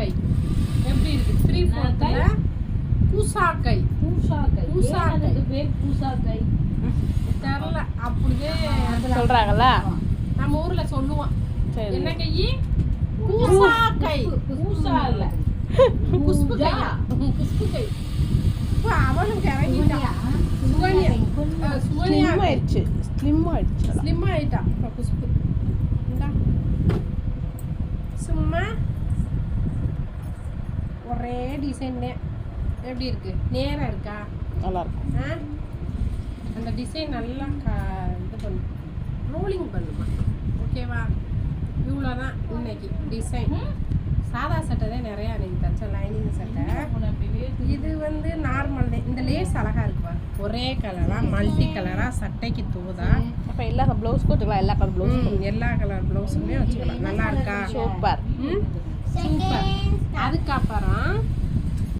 பூசாக்காய் எப்படி இருக்கு 3/4 பூசாக்காய் பேர் பூசாக்காய் தெரியல அப்படியே சொல்றாங்கல்ல நம்ம ஊர்ல சொல்லுவோம் சரி என்ன கை பூசாக்காய் பூசா இல்ல குஸ்பு கையா குஸ்பு கை இப்போ அவனுக்கு இறங்கிட்டா சுகன்யா சுகன்யா ஸ்லிம் ஆயிடுச்சு ஸ்லிம் ஆயிட்டா இப்போ குஸ்பு இந்தா சும்மா ஒரே டிசைன் எப்படி இருக்கு நேரா இருக்கா நல்லா இருக்கும் அந்த டிசைன் நல்லா இது பண்ணு ரோலிங் பண்ணுமா ஓகேவா இவ்வளோதான் இன்னைக்கு டிசைன் சாதா சட்டை தான் நிறையா அன்னைக்கு தச்ச லைனிங் சட்டை இது வந்து நார்மல் தான் இந்த லேஸ் அழகா இருக்குப்பா ஒரே கலரா மல்டி கலரா சட்டைக்கு தூதா அப்போ எல்லா ப்ளவுஸ்க்கும் வச்சுக்கலாம் எல்லா கலர் ப்ளவுஸ் எல்லா கலர் ப்ளவுஸுமே வச்சுக்கலாம் நல்லா இருக்கா சூப்பர் சூப்பர் அதுக்கப்புறம்